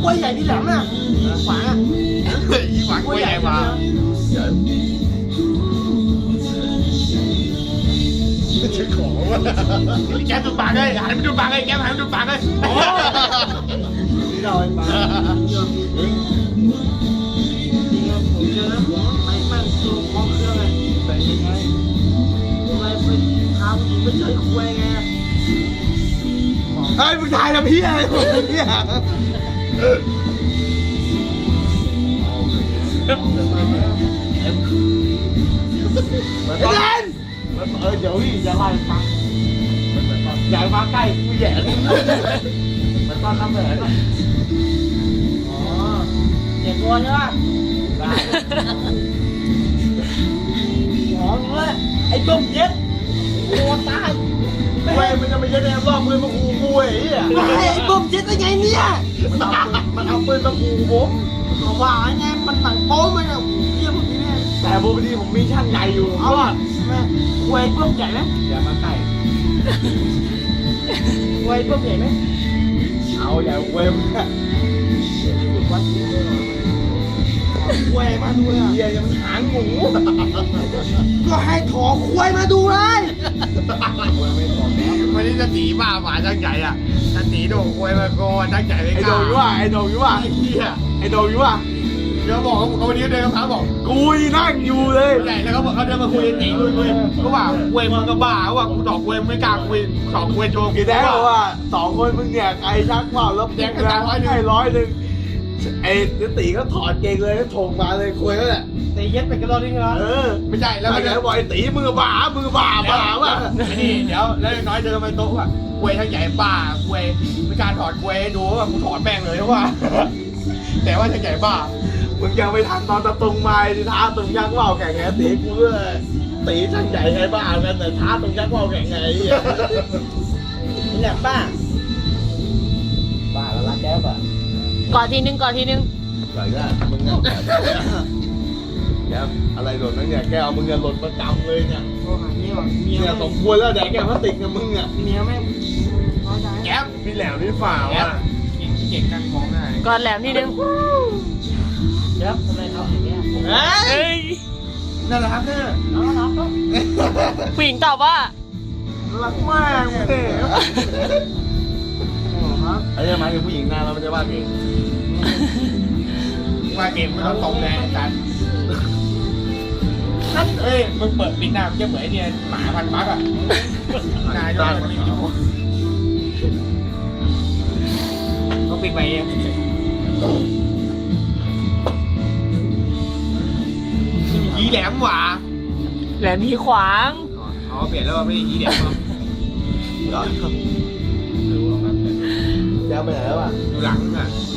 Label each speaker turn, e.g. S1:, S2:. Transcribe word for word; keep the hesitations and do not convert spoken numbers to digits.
S1: วยใหญ่ที่แหลมอ่ะขวางอ่ะ
S2: อีหวังกล้วยใหญ่มาไม่ใช่ของว่ะแกดูปากเลยหันไปดูปากเลยแกหันไปดูปากเลย
S1: นี่เราไอ้ปลาผมเจอแล้วผมไม่มั่นตัวคล้องเครื่องไงแต่ยังไงทำไมไปพาผู้หญิงไปเจอคุยไง
S2: เฮ้ยมึงถ่ายทำพี่อะไรพี่อะไอ้เดนเออเดี๋ยวพี่จะไล่ฟังอย่ามาใกล้กูแย่มันตอนทำแผลก่อน
S1: อ๋อเจ็บตัวใช่ป่ะได้หอมเลยไอ้ต้มเย็ดโอ้ตาย
S2: เว้ยมันจะไม่ใช่แนวรอบมือมาขู่กูไอ้เหี้ย
S1: ไอ้ต้มเย็ดได้ไงเนี่ย
S2: มันเอาปืนมันเอาปืนมาขู่ผม
S1: ก็ว่าไงมันหนังโป๊มันอะเยี่ยมพวกนี้เนี่ย
S2: แต่พอดีผมมีช่างใหญ่อยู่
S1: เอาอ่ะแม่เว้ยต้มใหญ่ไหม
S2: อย่ามาใกล้
S1: เว้ยต้มใหญ่ไหม
S2: เอาอย่าเว้ยมึงอะ
S1: ควยมาดูเลยอ่ะ
S2: เฮียยังมันหางหมู
S1: ก็ให้ถอควยมาดูเลย
S2: วันนี้จะตีบ้าหมาช่างใหญ่อ่ะจะตีโดควยมาโกนช่างใหญ่ไม่กล้าไอโดอยู่ว่ะไอโดอยู่ว่ะไอ้เฮียไอโดอยู่ว่ะเดี๋ยวบอกเขาวันนี้เดินกับเขาบอกกูนั่งอยู่เลยใหญ่แล้วเขาบอกเขาเดินมาคุยตีคุยคุยเขาบอกควยมึงก็บ้าเขาบอกกูตอบควยไม่กล้าคุยตอบควยโจกี่แดงบอกว่าสองคนมึงเนี่ยไกลชักเปล่าแล้วแดงกันร้อยหนึ่งให้ร้อยหนึ่งไอ้ตีก็ถอดเกงเลยก็ถงมาเลยคุยแล้วแหละ
S1: ตีเย็ดไปกันรอนี่เหรอ
S2: เออไม่ใช่แล้วก็เดี๋ยวบอกไอ้ตีมือบ้ามือบ้าบ้าว่ะนี่เดี๋ยวแล้วน้อยเดินมาโต๊ะว่ะควยทั้งใหญ่บ้าควยไม่การถอดควยดูว่ากูถอดแป้งเลยว่าแต่ว่าทั้งใหญ่บ้ามึงยังไม่ทันตอนตะตุงมาที่ท้าตุงยักษ์ว่าวแข่งไงตีกูเลยตีทั้งใหญ่ไงบ้ากันแต่ท้าตุงยักษ์ว่าวแข่งไง
S1: นี่แหละบ้าบ้าแล้วรักแก้วป่ะ
S3: ก่อนทีนึงก่อนทีนึง
S2: ใส่ได้มึงเนี่ยแกอะไรหล่นนั่นเนี่ยแกเอามึงเนี่ยหล่นประจำเลยเนี่ย
S1: โอ้หาเมียว่ะเมีย
S2: เนี่ยสมควรแล้วแดกแกพลาสติกกับมึงอ่ะ
S1: เมียแม่น้อยใจ
S2: แก๊ปพี่แหลมพี่ฝ่าว่ะ
S1: เก่งเก่งกันมองได้
S3: ก่อนแหลมทีนึง
S1: เดี๋ยวทำไมทำอย่างเงี้ย
S3: เฮ้ย
S2: น่ารักเนี่ย
S1: น่ารักเนาะ
S3: ผู้หญิงตอบว่า
S2: รักมากเลยไอ้เนี่ยหมายถึงผู้หญิงหน้าเราไม่ใช่ว่าเก่งว่าเก่งไม่ต้องตรงแรงกันนั่นเอ้ยมึงเปิดปิดหน้ามันจะเหมือนไอ้เนี่ยหมาพันปักอ่ะนายด้วยมันต้องปิดไปเองยีแหลมหว่า
S3: แหลมพีขวาง
S2: อ๋อเปลี่ยนแล้วไม่ได้ยีแหลมหรอเดี๋ยวไปไหนแล้วอ่ะอยู่หลังอ่ะ